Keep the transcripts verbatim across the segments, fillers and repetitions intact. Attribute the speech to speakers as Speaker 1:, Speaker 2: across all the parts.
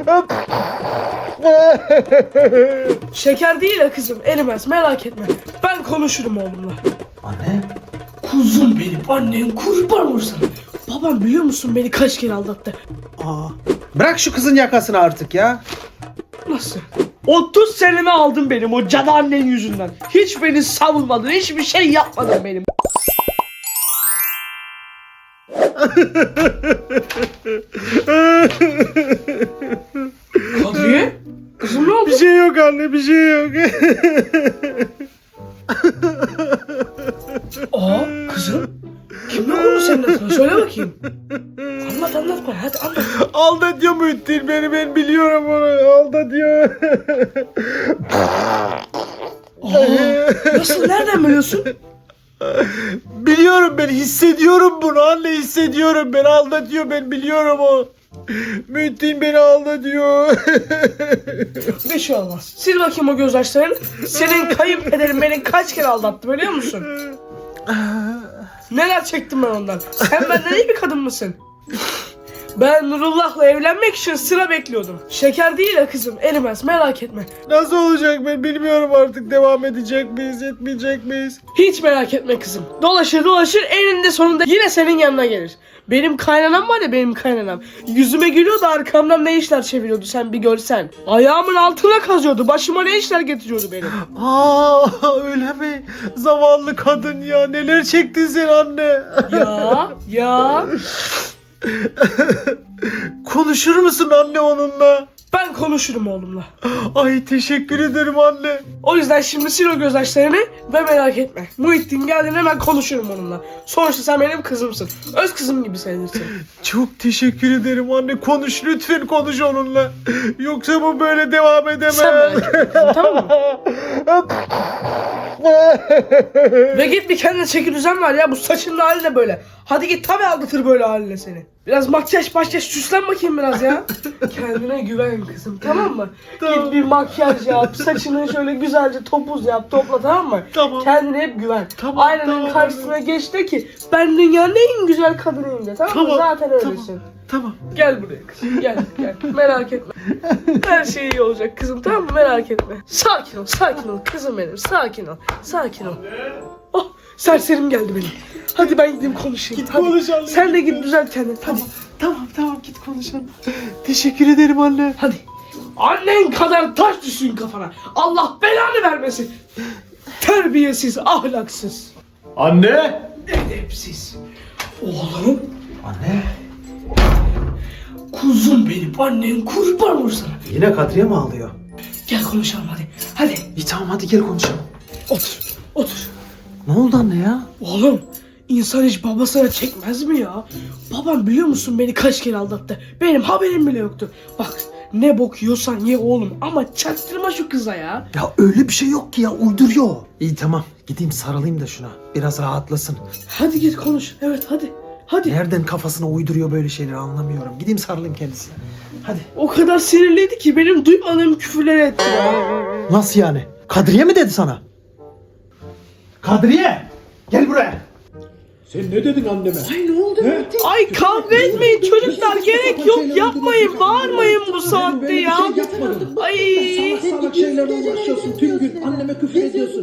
Speaker 1: Şeker değil ya kızım, erimez, merak etme. Ben konuşurum oğlumla.
Speaker 2: Anne?
Speaker 1: Kuzum benim, annen kurban olsun. Babam biliyor musun beni kaç kere aldattı?
Speaker 2: Aa. Bırak şu kızın yakasını artık ya.
Speaker 1: Nasıl? otuz senemi aldın benim o cadı annen yüzünden. Hiç beni savunmadın, hiçbir şey yapmadın benim. Kadriye? Kızım ne oldu?
Speaker 2: Bir şey yok anne, bir şey yok.
Speaker 1: Aa kızım. Kim oldu senin adına? Söyle bakayım. Anlat anlat bana, hadi anlat.
Speaker 2: Aldatıyor Muhittin beni, ben biliyorum onu. Aldatıyor.
Speaker 1: Aa, nasıl, nereden biliyorsun?
Speaker 2: Biliyorum, ben hissediyorum bunu anne, hissediyorum. Ben aldatıyor, ben biliyorum o. Muhittin beni aldatıyor.
Speaker 1: Bir şey olmaz. Sil bakayım o gözyaşlarını. Senin kayınpederin beni kaç kere aldattı biliyor musun? Neler çektim ben ondan. Sen benden iyi bir kadın mısın? Ben Nurullah'la evlenmek için sıra bekliyordum. Şeker değil ya kızım, erimez, merak etme.
Speaker 2: Nasıl olacak ben bilmiyorum artık, devam edecek miyiz, etmeyecek miyiz?
Speaker 1: Hiç merak etme kızım. Dolaşır dolaşır eninde sonunda yine senin yanına gelir. Benim kaynanam var ya, benim kaynanam. Yüzüme gülüyordu, arkamdan ne işler çeviriyordu sen bir görsen. Ayağımın altına kazıyordu, başıma ne işler getiriyordu benim.
Speaker 2: Aa, öyle mi? Zavallı kadın ya, neler çektin sen anne.
Speaker 1: Ya ya.
Speaker 2: Konuşur musun anne onunla?
Speaker 1: Ben konuşurum oğlumla.
Speaker 2: Ay teşekkür ederim anne.
Speaker 1: O yüzden şimdi sil o gözyaşlarını ve merak etme. Muhittin geldiğinde hemen konuşurum onunla. Sonuçta sen benim kızımsın. Öz kızım gibi sayılırsın.
Speaker 2: Çok teşekkür ederim anne. Konuş lütfen, konuş onunla. Yoksa bu böyle devam edemez.
Speaker 1: Sen merak etme, tamam mı? Ve git bir kendine çeki düzen ver ya. Bu saçının hali de böyle. Hadi git, tabi aldatır böyle haline seni. Biraz makyaj makyaj süslen bakayım biraz ya. Kendine güven kızım, tamam mı?
Speaker 2: Tamam.
Speaker 1: Git bir makyaj yap. Saçını şöyle güzelce topuz yap, topla, tamam mı?
Speaker 2: Tamam.
Speaker 1: Kendine hep güven.
Speaker 2: Tamam,
Speaker 1: Aynanın
Speaker 2: tamam.
Speaker 1: karşısına geç de ki ben dünyanın en güzel kadınıyım de, tamam, mı?
Speaker 2: Tamam,
Speaker 1: Zaten
Speaker 2: tamam.
Speaker 1: öylesin.
Speaker 2: Tamam.
Speaker 1: Gel buraya kızım, gel gel, merak etme. Her şey iyi olacak kızım, tamam mı? Merak etme. Sakin ol, sakin ol kızım benim, sakin ol, sakin ol. Oh, serserim geldi benim. Hadi ben gideyim konuşayım.
Speaker 2: Git
Speaker 1: hadi.
Speaker 2: konuş anne.
Speaker 1: Sen de git düzelt kendini, hadi.
Speaker 2: Tamam tamam, git konuşalım. Teşekkür ederim anne.
Speaker 1: Hadi. Annen kadar taş düşsün kafana. Allah belanı vermesin. Terbiyesiz, ahlaksız,
Speaker 2: Anne.
Speaker 1: edepsiz. Oğlum,
Speaker 2: Anne.
Speaker 1: kuzum benim, annen kurban olsun sana.
Speaker 2: Yine Kadriye mi ağlıyor?
Speaker 1: Gel konuşalım hadi. Hadi.
Speaker 2: İyi tamam, hadi gel konuşalım.
Speaker 1: Otur, otur.
Speaker 2: Ne oldu anne ya?
Speaker 1: Oğlum, insan hiç babasına çekmez mi ya? Babam biliyor musun beni kaç kere aldattı. Benim haberim bile yoktu. Bak, ne bok yiyorsan ye oğlum ama çaktırma şu kıza ya.
Speaker 2: Ya öyle bir şey yok ki ya, uyduruyor. İyi tamam, gideyim sarılayım da şuna. Biraz rahatlasın.
Speaker 1: Hadi git konuş. Evet hadi. Hadi.
Speaker 2: Nereden kafasına uyduruyor böyle şeyleri anlamıyorum. Gideyim sarılayım kendisine. Hadi.
Speaker 1: O kadar sinirliydi ki benim duymadığım küfürleri etti ya.
Speaker 2: Nasıl yani? Kadriye mi dedi sana? Kadriye! Gel buraya.
Speaker 3: Sen ne dedin anneme?
Speaker 1: Ay ne oldu? Ay kavga etmeyin çocuklar, gerek yok, yapmayın, bağırmayın bu saatte ya. Ay.
Speaker 3: Salak salak şeylerle uğraşıyorsun tüm gün. Anneme küfür ediyorsun.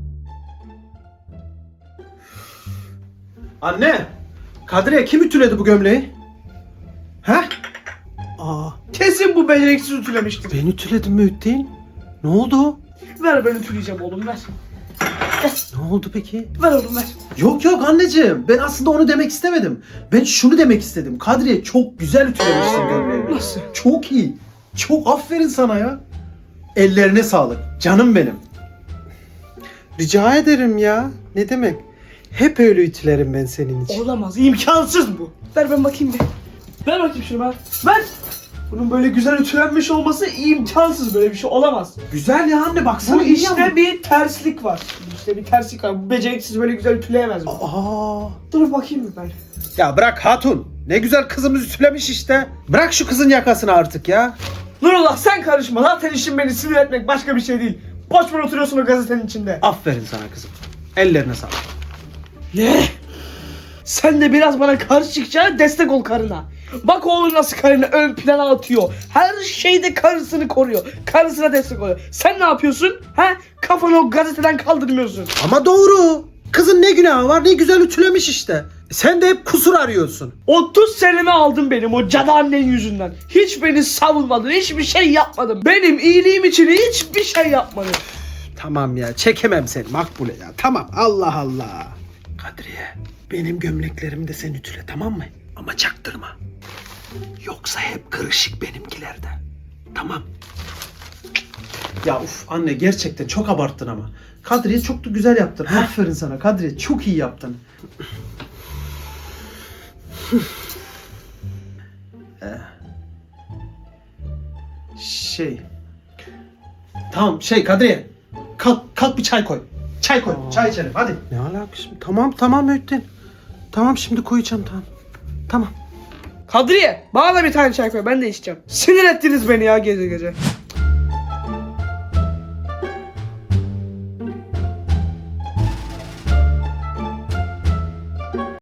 Speaker 2: Anne! Kadriye kim ütüledi bu gömleği? He? Aa,
Speaker 1: Kesin bu beceriksiz ütülemiştir.
Speaker 2: ben ütüledim Mühittin. Ne oldu?
Speaker 1: Ver, ben ütüleyeceğim oğlum, ver.
Speaker 2: Ne oldu peki?
Speaker 1: Ver oğlum, ver.
Speaker 2: Yok yok anneciğim. Ben aslında onu demek istemedim. Ben şunu demek istedim. Kadriye çok güzel ütülemişsin gömleğini.
Speaker 1: Nasıl?
Speaker 2: Çok iyi. Çok aferin sana ya. Ellerine sağlık. Canım benim. Rica ederim ya. Ne demek? Hep öyle ütülerim ben senin için.
Speaker 1: Olamaz, imkansız bu. Ver ben bakayım bir. Ver bakayım şunu, ver. Ver. Bunun böyle güzel ütülenmiş olması imkansız, böyle bir şey olamaz.
Speaker 2: Güzel ya anne, baksana.
Speaker 1: Bu
Speaker 2: iyi
Speaker 1: işte
Speaker 2: ama.
Speaker 1: bir terslik var. İşte bir terslik var. Bu beceriksiz böyle güzel ütüleyemez bu.
Speaker 2: Aa.
Speaker 1: Dur bakayım bir ben.
Speaker 2: Ya bırak hatun. Ne güzel kızımız ütülemiş işte. Bırak şu kızın yakasını artık ya.
Speaker 1: Nurullah sen karışma. Zaten işin beni sinir etmek, başka bir şey değil. Boş ver oturuyorsun o gazetenin içinde.
Speaker 2: Aferin sana kızım. Ellerine sağlık.
Speaker 1: Ne? Sen de biraz bana karşı çıkacağına destek ol karına. Bak oğlum nasıl karını ön plana atıyor. Her şeyde karısını koruyor. Karısına destek oluyor. Sen ne yapıyorsun? He? Kafanı o gazeteden kaldırmıyorsun.
Speaker 2: Ama doğru. Kızın ne günahı var, ne güzel ütülemiş işte. Sen de hep kusur arıyorsun.
Speaker 1: otuz senemi aldın benim o cadı annen yüzünden. Hiç beni savunmadın. Hiçbir şey yapmadın. Benim iyiliğim için hiçbir şey yapmadın.
Speaker 2: Tamam ya, çekemem seni Makbule ya. Tamam, Allah Allah. Kadriye, benim gömleklerimi de sen ütüle, tamam mı? Ama çaktırma. Yoksa hep kırışık benimkilerde. Tamam. Ya uf anne, gerçekten çok abarttın ama. Kadriye çok da güzel yaptın. Aferin sana Kadriye, çok iyi yaptın. Ee, şey. Tamam şey Kadriye. Kalk kalk bir çay koy. Çay koy.
Speaker 4: Aa.
Speaker 2: Çay içelim hadi.
Speaker 4: Ne alakası? Tamam tamam Öğüttin. Tamam şimdi koyacağım tamam. Tamam.
Speaker 1: Kadriye bana da bir tane çay koy, ben de içeceğim. Sinir ettiniz beni ya gece gece.